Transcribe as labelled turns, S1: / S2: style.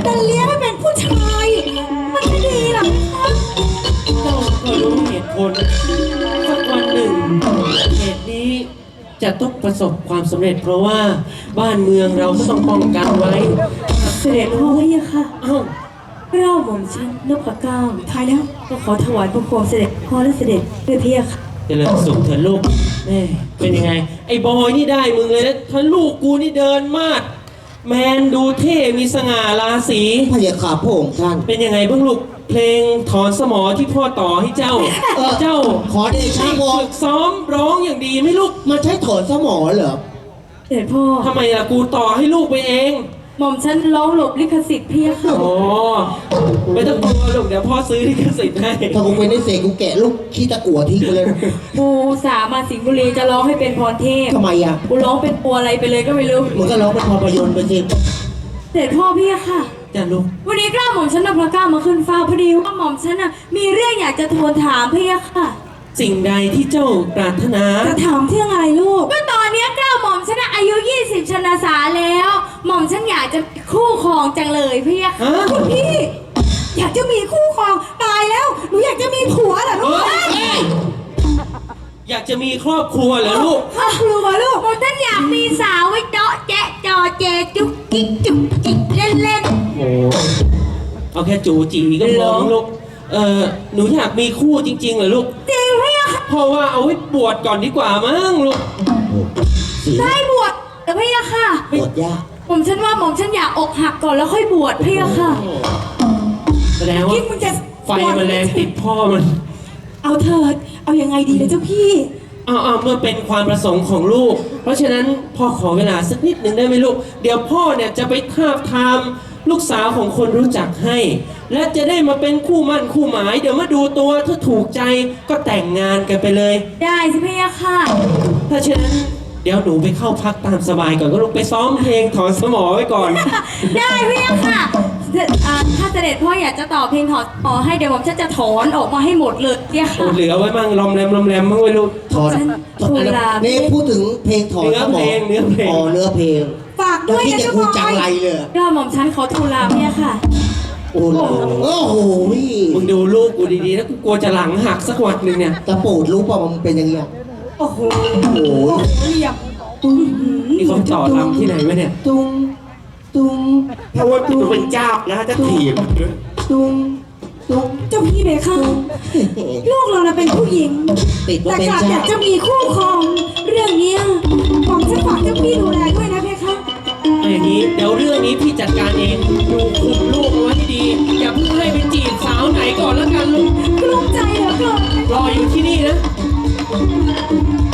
S1: แต่เลี้ยงให้เป็นผู้ชายมันจะดีหรอคะ
S2: เจ้าก็รู้เหตุผลสักวันหนึ่งเหตุนี้จะต้องประสบความสำเร็จเพราะว่าบ้านเมืองเราก็ต้องป้องกันไว้
S1: เสด็จพ่อพี่ค่ะ
S2: เอ้า
S1: เล่าหม่อมฉันนพเก้าทายแล้วก็ขอถวายพระโคมเสด็จพ่อและเสด็จด้วยพี่ค่ะ
S2: เจริญสุขเถิดลูกแม่เป็นยังไง ไอ้บอยนี่ได้มึงเลยนะถ้าลูกกูนี่เดินมากแมนดูเท่มีสง่าราศี
S3: พระยาขาพระองค์ท่าน
S2: เป็นยังไงบ้างลูกเพลงถอนสมอที่พ่อต่อให้เจ้า เจ้า
S3: ขอเดชะวอ
S2: ฝึกซ้อมร้องอย่างดีไหม่ลูก
S3: มันใช้ถอนสมอเหรอ
S1: เสด็จพ่อ
S2: ทำไมล่ะกูต่อให้ลูกไปเอง
S1: หม่อมฉันร้องหลบลิขสิทธิ์พี่ค่ะ
S2: อ๋อไม่ต้องกลัวลูกเดี๋ยวพ่อซื้อลิขสิทธิ์ให้
S3: ถ้ากูเป็นไอ้เสกกูแกะลูกขี้ตะกั่วทิ้งไปเลย
S1: กูสามาสิงห์บุรีจะร้องให้เป็นพรเทพ
S3: ทำไมอ่ะ
S1: กูร้องเป็นปัวอะไรไปเลยก็ไม่รู้
S3: มึงก็ร้องเป็นภาพยนตร์ไปสิ
S1: เสด็จพ่อพี่ค่ะ
S2: จ้ะลูก
S1: วันนี้กล้าหม่อมฉันนพเก้ามาขึ้นเฝ้าพอดีว่าหม่อมฉันน่ะมีเรื่องอยากจะทูลถามพี่ค่ะ
S2: สิ่งใดที่เจ้าปรารถนา
S1: จะถามเรื่องอะไรลูกก็ตอนนี้กล้าหม่อมฉันน่ะอายุ 20 ชนสาแล้ว หม่อมฉันอยากจะคู่ครองจังเลยพี่ค่ะ
S2: ฮะ
S1: คุณพี่ อยากจะมีคู่ครองตายแล้วหนูอยากจะมีผัวเหรอลูก
S2: เฮ้ยอยากจะมีครอบครัวเหรอลูก
S1: ครอบครัวลูกหม่อมฉันอยากมีสาวไว้เจาะแจ๊ะจอเจจุกจิกจุกจิกเล่นเล่น
S2: โอ้เอาแค่จูจีก็พอมั้งลูกหนูอยากมีคู่จริงๆเหรอลูก
S1: จริงพี่ค่ะ
S2: เพราะว่าเอาไว้บวชก่อนดีกว่ามั้งลูก
S3: เสีย
S1: ได้บวชแต่พี่ค่ะ
S3: ปวดยาก
S1: หม่อมฉันว่าหม่อมฉันอยากอกหักก่อนแล้วค่อยบวชพี่ค่ะ
S2: แสดงว่า
S1: คิดมึงจะ
S2: ไฟมันแรงติดพ่อมัน
S1: เอาเถิด เอายังไงดีเลยเจ้าพี่
S2: เอาเมื่อเป็นความประสงค์ของลูก เพราะฉะนั้นพ่อขอเวลาสักนิดหนึ่งได้ไหมลูก เดี๋ยวพ่อเนี่ยจะไปทาบทามลูกสาวของคนรู้จักให้ และจะได้มาเป็นคู่มั่นคู่หมาย เดี๋ยวมาดูตัวถ้าถูกใจก็แต่งงานกันไปเลย
S1: ได้สิพี่ค่ะ
S2: ถ้าฉะนั้นเดี๋ยวหนูไปเข้าพักตามสบายก่อนก็ลูกไปซ้อมเพลงถอนสมอไว้ก่อน
S1: ได้พี่ค่ะถ้าเสด็จพ่ออยากจะต่อเพลงถอนต่อให้เดี๋ยวผมจะถอนออกมาให้หมดเลยพี่ค่ะ
S2: เหลือไว้มั่งลอมแรมมั่งไว้ลูก
S3: ถอน
S1: ฉัน
S3: ถอนอะไร
S1: ทูลลา
S3: นี่พูดถึงเพลงถอนสมอ
S2: เนื้อเพลง
S3: อ๋อเนื้อเพลง
S1: ฝาก
S3: แล้
S1: ด้
S3: ว
S1: วย
S3: ที่
S1: นะ
S3: จะ
S1: เจ้า
S3: กู
S1: พ่อ
S3: จังไรเลย
S1: ก็หม่อมฉันขอทูลลาพี่ค่ะ
S3: โอ้โหโอ้โห
S2: มึงดูลูกกูดีๆแล้วกูกลัวจะหลังหักสักวันหนึ่งเนี่ย
S3: ตะปูดรู้ป่ะมันเป็นยังไง
S1: โอ้โห
S3: โอ้โห
S1: เหลี่ยม
S3: ตุ้ง
S2: นี่เขาจ่อลำที่ไหนวะเนี่ย
S3: ตุ้งตุ้ง
S2: ถ้าว่ากูเป็นเจ้านะจะถีบ
S3: ตุ้งตุ้ง
S1: เจ้าพี่เบค่ะลูกเราน่ะเป็นผู้หญิง
S3: ติดว่า
S1: แต่
S3: เป็น
S1: กลับอยา
S3: เจ้าก
S1: จะมีคู่ครอง เรื่องเนี้ยผมจะฝากเจ้าพี่ดูแลด้วยนะเพคะ
S2: เอาอย่างนี้เดี๋ยวเรื่องนี้พี่จัดการเองดูคุมลูกเอาไว้ให้ดี อย่าเพิ่งให้ไปจีบสาวไหนก่อนแล้วกันลูก
S1: กลุ้มใจเหลือเกิน
S2: รออยู่ที่นี่นะ
S1: เ